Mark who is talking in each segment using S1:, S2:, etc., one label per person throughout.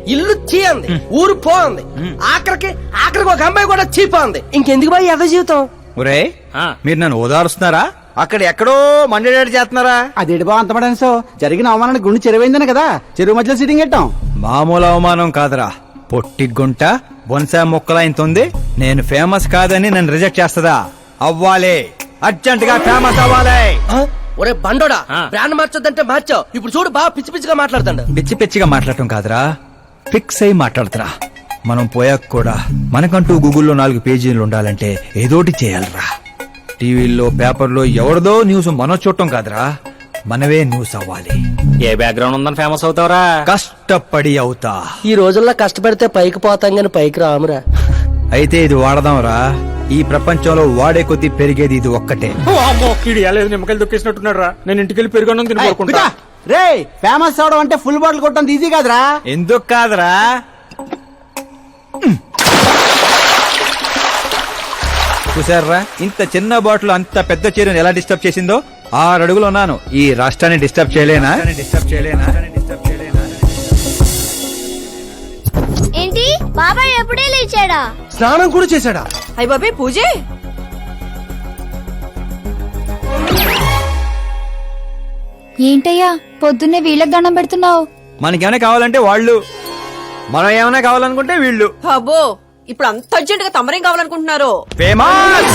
S1: ఇల్లు చీ అంది, ఊరు పో అంది, ఆఖరికి ఒక అమ్మాయి కూడా చీపోంది. ఇంకెందుకు బాయ్ ఎద జీవితం?
S2: ఒరే మీరు నన్ను ఓదారుస్తున్నారా, అక్కడ ఎక్కడో మండేడాడు చేస్తున్నారా?
S3: అదేంటి బా అంత పడేసో జరిగిన అవమానానికి గుండె చెరువైందని కదా చెరువు మధ్యలో సిట్టింగ్ పెట్టాం.
S2: మామూలు అవమానం కాదురా, పొట్టి గుంట బొన్సా మొక్కలైంతుంది. నేను ఫేమస్ కాదని నన్ను రిజెక్ట్ చేస్తదా? అవ్వాలి, అర్జెంట్ గా ఫేమస్ అవ్వాలి.
S1: ఒరే బండోడా, బ్రాండ్ మార్చొద్దంటే మార్చావు. ఇప్పుడు చూడు బాగా పిచ్చి పిచ్చిగా మాట్లాడుతాడు.
S2: పిచ్చి పిచ్చిగా మాట్లాడటం కాదురా, ఫిక్స్ అయి మాట్లాడుతురా. మనం పోయాక కూడా మనకంటూ గూగుల్లో 4 పేజీలు ఉండాలంటే ఏదోటి చేయాలరా. టీవీల్లో పేపర్లో ఎవరిదో న్యూస్ మనం చూడటం కాదురా, మనవే న్యూస్ అవ్వాలి.
S4: ఏ బ్యాక్గ్రౌండ్ ఉందని ఫేమస్ అవుతావరా?
S2: కష్టపడి అవుతా.
S1: ఈ రోజుల్లో కష్టపడితే పైకి పోతాం గాని పైకి రామురా.
S2: అయితే ఇది వాడదాంరా. ఈ ప్రపంచంలో వాడే కొద్దీ పెరిగేది ఇది ఒక్కటే.
S4: నిమ్మకాయలు దొక్కేసినట్టున్నాడు రా. నేను ఇంటికి వెళ్ళి పెరుగొన్నం తిని కోరుకుంటా.
S3: రే ఫేమస్ అవడం అంటే ఫుల్ బాటిల్ కొట్టడం ఈజీ కాదురా.
S2: ఎందుకు కాదురా, చూసారా ఇంత చిన్న బాటిల్ అంత పెద్ద చీరను ఎలా డిస్టర్బ్ చేసిందో. 6 అడుగులు ఉన్నాను, ఈ రాష్ట్రాన్ని డిస్టర్బ్ చేయలేనా?
S5: ఏంటి బాబాయ్ ఎప్పుడే లేచాడా?
S1: స్నానం కూడా చేశాడా?
S6: అయ్య బాబాయ్ పూజే.
S5: ఏంటయ్యా పొద్దున్నే వీళ్ళకి దండం పెడుతున్నావు?
S2: మనకేమైనా కావాలంటే వాళ్ళు, మనం ఏమైనా కావాలనుకుంటే వీళ్ళు.
S6: అబ్బో ఇప్పుడు అంత అర్జెంట్ గా తమరేం కావాలనుకుంటున్నారు?
S2: ఫేమస్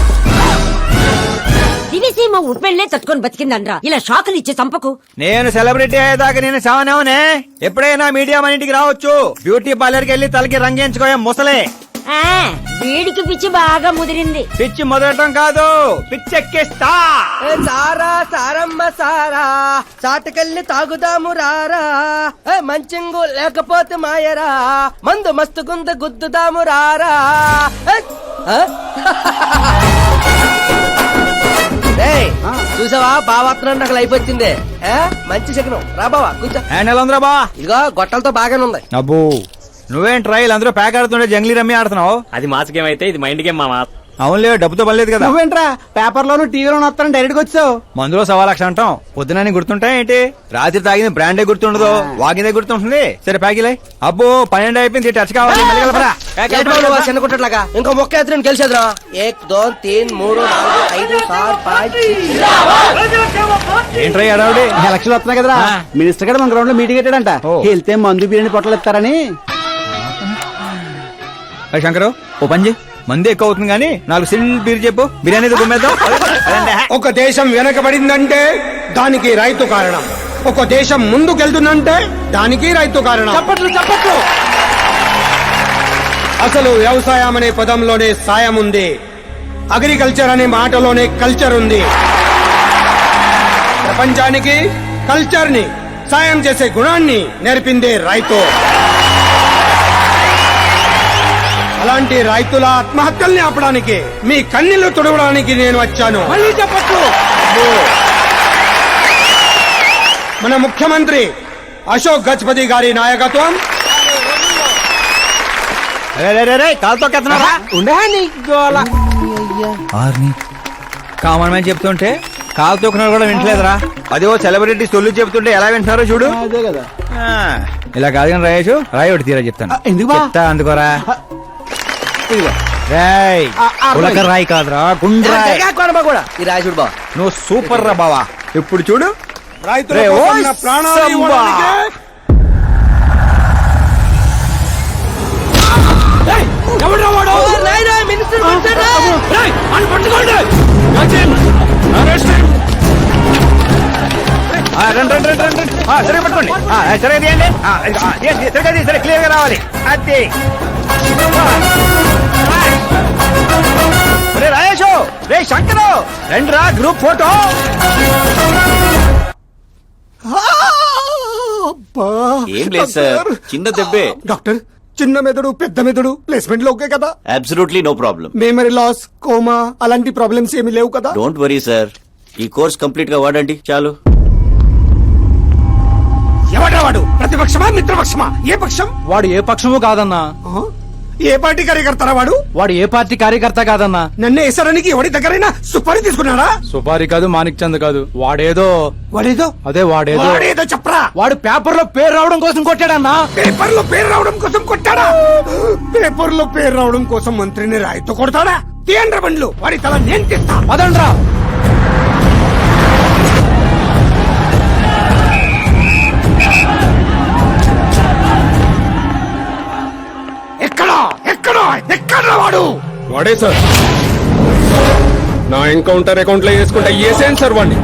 S7: దివిసీమ ఉప్పెళ్లే తట్టుకొని బతికిందనరా. ఇలా షాకులు ఇచ్చే చంపకు.
S2: నేను సెలబ్రిటీ అయ్యేదాకా నేను సావనేవనే. ఎప్పుడైనా మీడియా మన ఇంటికి రావచ్చు. బ్యూటీ పార్లర్ కి వెళ్ళి తలకి రంగేయించుకోయా ముసలే.
S7: వీడికి పిచ్చి బాగా ముదిరింది.
S2: పిచ్చి మొదలటం కాదు, పిచ్చెక్కిస్తా.
S1: సారా సారమ్మ సారా, చాటకెళ్ళి తాగుదాము రారా. మంచింగు లేకపోతే మాయరా, మందు మస్తు గుంద గుద్దుదాము రారా. చూసావా బావాత్రం నాకు లైఫ్ వచ్చింది. మంచి శకనం రా బావా కూర్చో.
S2: హ్యాండ్ ఎలా ఉందిరా బా?
S1: ఇదిగో గొట్టలతో బాగానే ఉంది.
S2: అబ్బో నువ్వేం ట్రైల్ అందరూ ప్యాక్ ఆడుతుండే జంగ్లీ రమ్మి ఆడుతున్నావు.
S4: అది మాస్ గేమ్ అయితే ఇది మైండ్ గేమ్ మామా.
S2: అవునులే, డబ్బుతో పనిలేదు కదా.
S3: నువ్వేంట్రా పేపర్ లోను టీవీలోను వస్తాను డైరెక్ట్ గా వచ్చావు.
S2: మందులో 1,00,000 అంటాం, పొద్దునని గుర్తుంటాయి ఏంటి? రాత్రి తాగింది బ్రాండే గుర్తుండదు, వాగిందే గుర్తుంటుంది. సరే ప్యాకిలే. అబ్బో 12 అయిపోయింది, టచ్ కావాలి.
S1: చిన్న కుట్టట్లాగా ఇంకో మొక్క ఎత్తుని గెలిచేద్రా. 1 2 3 4 5 6 5.
S2: ఏంట్రై అడావుడి?
S3: ఎలక్షన్ వస్తున్నాయి కదరా, మినిస్టర్ గారు మన గ్రౌండ్ లో మీటింగ్ పెట్టాడంట. వెళ్తే మందు బిర్యానీ పొట్టలు ఇస్తారని.
S2: శంకరు ఓ పంజి, మంది ఎక్కువ అవుతుంది కానీ 4 సిల్ బీర్ చెప్పు, బిర్యానీ గుమ్మేద్దాం.
S8: ఒక దేశం వెనకబడిందంటే దానికి రైతు కారణం. ఒక దేశం ముందుకెళ్తుందంటే దానికి రైతు కారణం.
S1: చెప్పట్లు
S8: అసలు వ్యవసాయం అనే పదంలోనే సాయం ఉంది. అగ్రికల్చర్ అనే మాటలోనే కల్చర్ ఉంది. ప్రపంచానికి కల్చర్ ని, సాయం చేసే గుణాన్ని నేర్పిందే రైతు. అలాంటి రైతుల ఆత్మహత్యల్ని ఆపడానికి, మీ కన్నీళ్లు తుడవడానికి నేను వచ్చాను. మళ్ళీ చెప్పచ్చు. మన ముఖ్యమంత్రి అశోక్ గజపతి గారి నాయకత్వం.
S2: కామన్ మ్యాన్ చెప్తుంటే కాలు తొక్కున్నారు కూడా వింటలేదురా. అదే సెలబ్రిటీ సొల్లు చెప్తుంటే ఎలా వింటున్నారో చూడు.
S3: అదే కదా.
S2: ఇలా కాదు కానీ రాయేషు, రాయి ఒకటి తీరా చెప్తాను.
S3: ఎందుకు
S2: చెప్తా అందుకోరా. రాయ్ ఉలక రాయి కాదురా, గుండ్రాయ్
S1: కూడా ఈ రాజుడు బావ.
S2: నువ్వు సూపర్ రా బావా. ఇప్పుడు చూడు,
S8: రైతుల కోసం నా ప్రాణాలు ఇవ్వడానికే.
S2: సరే పట్టుకోండి, సరే తీయండి, సరే క్లియర్ గా రావాలి. అది రాయేషు, రే శంకరు రండి రా, గ్రూప్ ఫోటో.
S4: ఏం లేదు సార్, చిన్న దెబ్బే.
S8: డాక్టర్, చిన్న మెదడు పెద్ద మెదడు ప్లేస్మెంట్ లో ఓకే కదా?
S4: Absolutely no problem.
S8: Memory loss, coma అలాంటి ప్రాబ్లమ్స్ ఏమి లేవు కదా?
S4: డోంట్ వరీ సార్, ఈ కోర్స్ కంప్లీట్ గా వాడండి చాలు.
S8: ఎవడ్రా వాడు? ప్రతిపక్షమా మిత్రపక్షమా? ఏ పక్షం?
S2: వాడు ఏ పక్షము కాదన్నా.
S8: ఏ పార్టీ కార్యకర్తారా వాడు?
S3: వాడు ఏ పార్టీ కార్యకర్త కాదన్నా.
S8: నన్ను వేసడానికి ఎవరి దగ్గరైనా సుపారీ తీసుకున్నాడా?
S3: సుపారి కాదు, మాణిక్ చంద్ కాదు. వాడేదో
S8: వాడేదో వాడేదో చెప్పరా.
S3: వాడు పేపర్ లో పేరు రావడం కోసం కొట్టాడన్నా.
S8: పేపర్ లో పేరు రావడం కోసం కొట్టాడా? పేపర్ లో పేరు రావడం కోసం మంత్రిని రాయితో కొడతాడా? తీయండ్ర బండ్లు, వాడి తల నేను తీస్తా.
S3: పదండ్రా.
S8: ఎక్కడా ఎక్కడా ఎక్కడా వాడు?
S4: వాడే సార్. నా ఎన్కౌంటర్ అకౌంట్ లో వేసుకుంటా వేసేయండి సార్ వాడిని.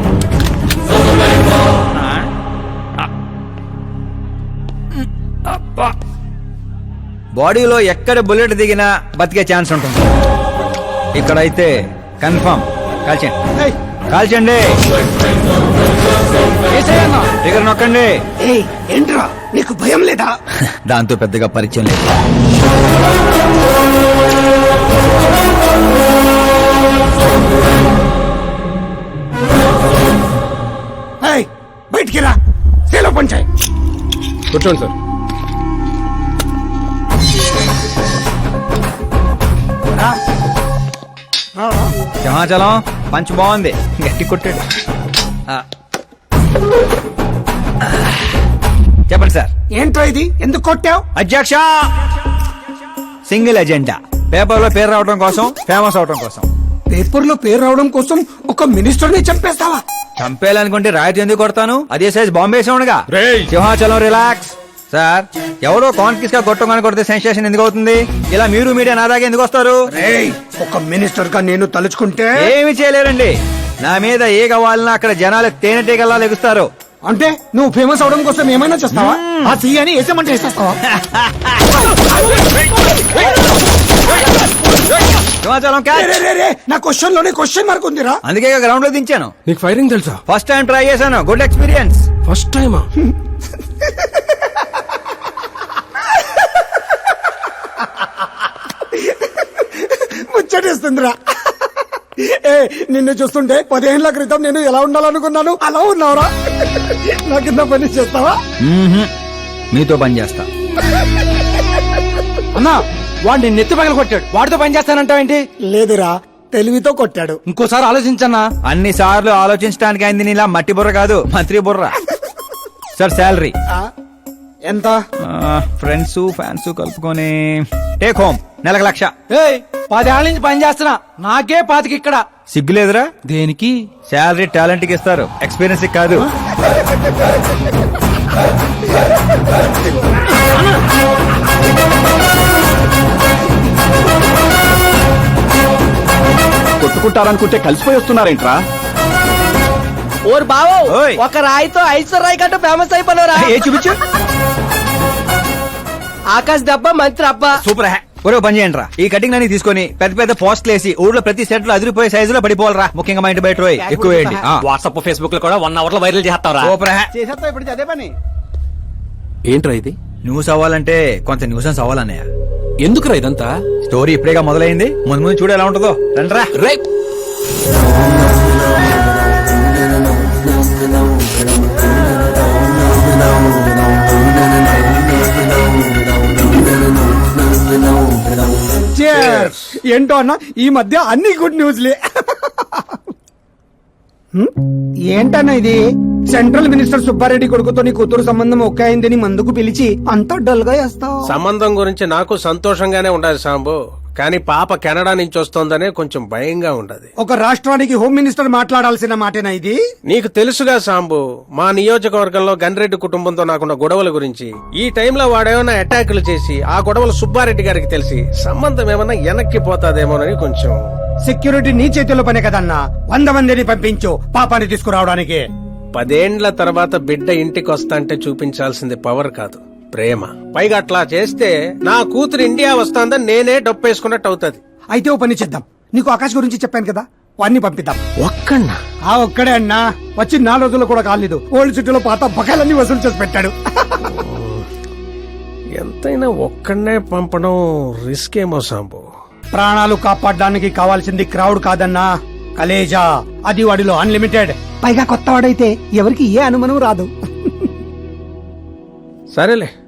S2: బాడీలో ఎక్కడ బుల్లెట్ దిగినా బతికే ఛాన్స్ ఉంటుంది. ఇక్కడైతే కన్ఫర్మ్. కాల్చండి, కాల్చండి. దగ్గర నొక్కండి.
S8: ఏయ్, ఏంట్రా నీకు భయం లేదా?
S2: దాంతో పెద్దగా పరిచయం లేదు.
S8: ఏయ్, బయటికి రా. సేలో పంచాయి.
S4: కూర్చోండి సార్.
S2: సింహాచలం పంచ్ బాగుంది, గట్టి కొట్టాడు. చెప్పండి సార్.
S8: ఏంట్రా ఇది? ఎందుకు కొట్టావు?
S2: అధ్యక్ష, సింగిల్ ఎజెండా. పేపర్ లో పేరు రావడం కోసం, ఫేమస్ అవడం కోసం.
S8: పేపర్ లో పేరు రావడం కోసం ఒక మినిస్టర్ ని చంపేస్తావా?
S2: చంపేయాలనుకుంటే రాయితీ ఎందుకు కొడతాను? అదే సైజ్ బాంబే సౌండ్గా.
S4: రేయ్.
S2: సింహాచలం రిలాక్స్. సార్, ఎవరో కాన్ఫిస్ గా కొట్టగానే కొడితే సెన్సేషన్ ఎందుకు అవుతుంది? ఇలా మీరు మీడియా నా దాకా ఎందుకు వస్తారు?
S8: ఏయ్, ఒక మినిస్టర్ గా నేను తలుచుకుంటే
S2: ఏమి చేయలేరండి. నా మీద ఏ కావాలన్నా అక్కడ జనాలు తేనెటీగల్లా లెగుస్తారు.
S8: అంటే నువ్వు ఫేమస్ అవడం కోసం ఏమైనా చేస్తావా? ఆ సీఎని వేసేమంటే వేసేస్తావా?
S2: సింహాచలం క్యాచ్.
S8: రే, రే, రే, నా క్వశ్చన్ లోనే క్వశ్చన్ మార్క్ ఉందిరా.
S2: అందుకే గ్రౌండ్ లో దించాను.
S4: నీకు ఫైరింగ్ తెలుసా?
S2: ఫస్ట్ టైం ట్రై చేశాను, గుడ్ ఎక్స్పీరియన్స్.
S4: ఫస్ట్ టైమా?
S8: ముచ్చటేస్తుందిరా. ఏ, నిన్ను చూస్తుంటే 10 ఏళ్ల క్రితం నేను ఎలా ఉండాలనుకున్నాను అలా ఉన్నావురా. నా కింద పని చేస్తావా?
S2: మీతో పని చేస్తా.
S3: అన్నా, వాడిని నెత్తి పగల కొట్టాడు. వాడితో పని చేస్తానంటావేంటి?
S8: లేదురా, తెలివితో కొట్టాడు.
S3: ఇంకోసారి ఆలోచించన్నా.
S2: అన్ని సార్లు ఆలోచించడానికి అయింది నీలా మట్టి బుర్ర కాదు, మంత్రి బుర్ర. సార్, శాలరీ
S8: ఎంత?
S2: ఫ్రెండ్స్ ఫ్యాన్స్ కలుపుకొని టేక్ హోమ్ నెలకు 1,00,000.
S3: ఏయ్, 10 ఏళ్ల నుంచి పని చేస్తున్నా, నాకే 25 ఇక్కడ.
S2: సిగ్గులేదురా?
S3: దేనికి?
S2: శాలరీ టాలెంట్ కి ఇస్తారు, ఎక్స్పీరియన్స్ కి కాదు.
S3: కొట్టుకుంటారనుకుంటే కలిసిపోయి వస్తున్నారేంట్రా?
S1: ఓరు బావో,
S2: ఓయ్.
S1: ఒక రాయితో ఐశ్వర్ రాయ్ కంటూ ఫేమస్ అయిపోయినరా.
S2: ఏ చూపించు.
S1: ఆకాశ్ దెబ్బ మంత్రి అబ్బ.
S2: సూపర్ హ్యా. ఒరే పని చేయండి రా, ఈ కటింగ్ అన్ని తీసుకొని పెద్ద పెద్ద పోస్టులు వేసి ఊర్లో ప్రతి సెట్ లో అదిరిపోయే సైజులో పడిపోవాలరా. ముఖ్యంగా మా ఇంటి బయట రోయ్ ఎక్కువ వేయండి.
S9: వాట్సాప్ ఫేస్బుక్ లో కూడా 1 అవర్ లో వైరల్ చేస్తావరా?
S2: సూపర్ హ్యా.
S3: చేసేస్తా ఇప్పుడు అదే పని.
S4: ఏంట్రా ఇది?
S2: న్యూస్ అవ్వాలంటే కొంత న్యూసెన్స్ అవ్వాలన్నయ్య.
S4: ఎందుకురా ఇదంతా?
S2: స్టోరీ ఇప్పుడేగా మొదలైంది, ముందు ముందు చూడు ఎలా ఉంటుందో. రండ్రా.
S4: రే,
S8: ఏంటో అన్న, ఈ మధ్య అన్ని గుడ్ న్యూస్లే. ఏంటన్నా ఇది? సెంట్రల్ మినిస్టర్ సుబ్బారెడ్డి కొడుకుతో నీ కూతురు సంబంధం ఒకే అయిందని మందుకు పిలిచి అంతా డల్ గా వేస్తావు.
S10: సంబంధం గురించి నాకు సంతోషంగానే ఉండదు సాంబు, కానీ పాప కెనడా నుంచి వస్తోందనే కొంచెం భయంగా ఉండదు.
S8: ఒక రాష్ట్రానికి హోమ్ మినిస్టర్ మాట్లాడాల్సిన మాటేనా ఇది?
S10: నీకు తెలుసుగా సాంబు, మా నియోజకవర్గంలో గన్రెడ్డి కుటుంబంతో నాకున్న గొడవల గురించి. ఈ టైంలో వాడేమన్నా అటాకులు చేసి ఆ గొడవలు సుబ్బారెడ్డి గారికి తెలిసి సంబంధం ఏమన్నా వెనక్కి పోతాదేమోనని కొంచెం.
S8: సెక్యూరిటీ నీ చేతిలో పనే కదన్నా. 100 మందిని పంపించు పాపాన్ని తీసుకురావడానికి.
S10: 10 ఏండ్ల తర్వాత బిడ్డ ఇంటికి వస్తాంటే చూపించాల్సింది పవర్ కాదు, ప్రేమ. పైగా అట్లా చేస్తే నా కూతురు ఇండియా వస్తాందని నేనే డప్పేసుకున్నట్టు అవుతుంది.
S8: అయితే ఓ పని చేద్దాం, నీకు ఆకాశ్ గురించి చెప్పాను కదా, వాడిని పంపిద్దాం.
S10: ఒక్కన్నా?
S8: ఆ ఒక్కడే అన్నా, వచ్చి 4 రోజులు కూడా కాలేదు. ఓల్డ్ సిటీలో పాత బకాయిలన్నీ వసూలు చేసి పెట్టాడు.
S10: ఎంతైనా ఒక్కడనే పంపడం రిస్క్ ఏమో సాంబు.
S8: ప్రాణాలు కాపాడడానికి కావాల్సింది క్రౌడ్ కాదన్నా, కలేజా. అది వాడిలో అన్లిమిటెడ్. పైగా కొత్త వాడైతే ఎవరికి ఏ అనుమానం రాదు.
S10: సరేలే,